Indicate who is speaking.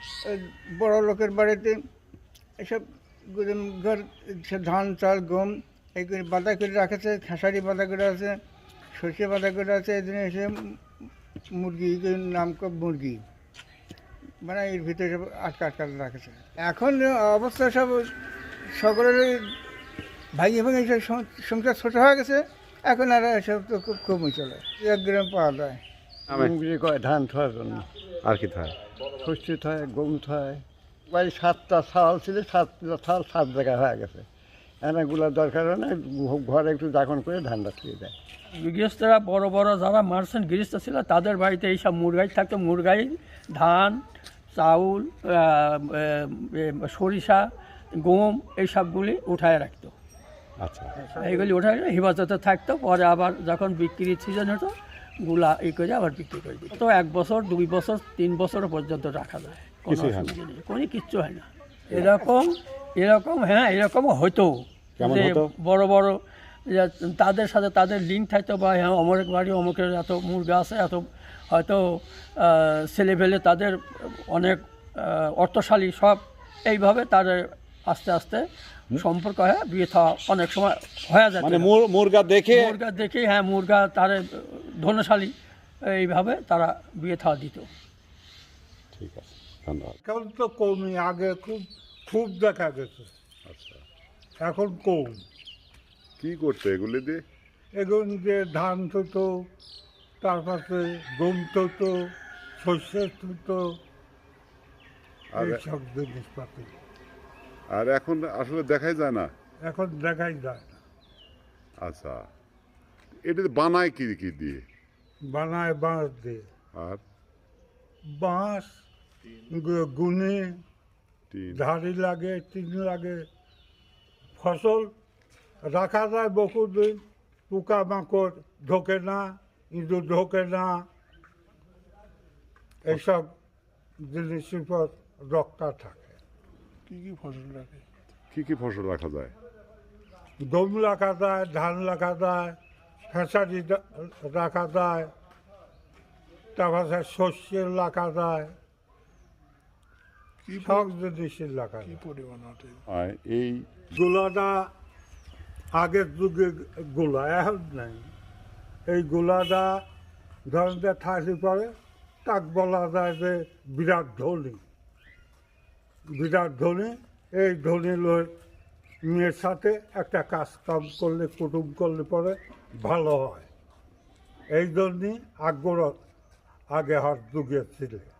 Speaker 1: বড় লোকের বাড়িতে এসব ঘর ধান চাল গম এই করে বাঁধা করে রাখেছে, খেসারি বাঁধা করে আছে, সর্ষে বাঁধা করে আছে। এই জন্য এসে মুরগি নাম মুরগি মানে এর ভিতরে সব আটকা রাখেছে। এখন অবস্থা সব সকলের ভাইয়ে ভাঙে সব সংসার ছোটো হয়ে গেছে। এখন আর এসব তো খুব কমই চলে, 1 গ্রাম পাওয়া যায়।
Speaker 2: বিক্রি করে ধান থোয়ার জন্য।
Speaker 3: আর কি থাকে?
Speaker 2: শস্য থয়, গম থয়। বাড়ি 7টা ছাল ছিল, 7টা ছাল 7 জায়গায় হয়ে গেছে। এনাগুলোর দরকার হয় না, ঘরে একটু দাখন করে ধানটা ছুঁয়ে দেয়।
Speaker 4: গৃহস্থরা বড় বড় যারা মার্চেন্ট গৃহস্থ ছিল তাদের বাড়িতে এইসব মুরগাই থাকতো। মুরগাই ধান, চাউল, সরিষা, গম এইসবগুলি উঠায় রাখতো।
Speaker 3: আচ্ছা,
Speaker 4: এইগুলি উঠায় হেফাজতে থাকতো। পরে আবার যখন বিক্রির সিজন হতো গুলা করে আবার বিক্রি করে দিত। তো 1 বছর, 2 বছর, 3 বছর পর্যন্ত রাখা যায়, কোনো অসুবিধা নেই, কোনো কিচ্ছু হয় না। এরকম হ্যাঁ, এরকমও হতো যে বড় বড় তাদের সাথে তাদের লিঙ্ক থাকতো, বা হ্যাঁ অমুক বাড়ি অমুকের এত মুরগা আছে, এত হয়তো ছেলেপেলে তাদের অনেক অর্থশালী সব, এইভাবে তাদের আস্তে আস্তে সম্পর্ক হয়, বিয়ে থাওয়া অনেক সময় হয়ে যায়।
Speaker 3: মানে মুরগা দেখে
Speaker 4: হ্যাঁ, মুরগা তারা ধনশালী, এইভাবে তারা বিয়ে থাওয়া দিত।
Speaker 3: ঠিক আছে, ধন্যবাদ।
Speaker 5: এখন তো কমই, আগে খুব দেখা গেছে,
Speaker 3: আচ্ছা,
Speaker 5: এখন কম।
Speaker 3: কি করতো এগুলি দিয়ে?
Speaker 5: এখন যে ধান থতো, তারপরে গম থতো, শস্য থতো, এইসব জিনিসপাতি
Speaker 3: আর এখন আসলে দেখাই যায় না।
Speaker 5: এখন দেখাই যায় না।
Speaker 3: আচ্ছা, এটা বানায় কি কি দিয়ে?
Speaker 5: বানায় বাঁশ দিয়ে,
Speaker 3: আর
Speaker 5: বাঁশ গুনে
Speaker 3: টিন?
Speaker 5: ধাড়ি লাগে, টিন লাগে। ফসল রাখা যায় বহুদিন, পোকামাকড় ঢোকে না, ইঁদুর ঢোকে না, এইসব জিনিসের উপর রক্ষা থাকে।
Speaker 3: কি কি ফসল রাখা যায়?
Speaker 5: গম রাখা যায়, ধান রাখা যায়, খেসারি রাখা যায়, তারপরে শস্য রাখা যায়, সব জিনিসের রাখা যায়।
Speaker 3: আর এই
Speaker 5: গোলাটা আগের যুগে গোলা, এখন নাই। এই গোলাটা ধরেন যে থাকি পরে তাক বলা যায় যে বিরাট ধনী। বিরাট ধনী, এই ধনী লোক মেয়ের সাথে একটা কাজ কাম করলে, কুটুম করলে পরে ভালো হয়। এই জন্যই আগে হাত যুগে ছিল।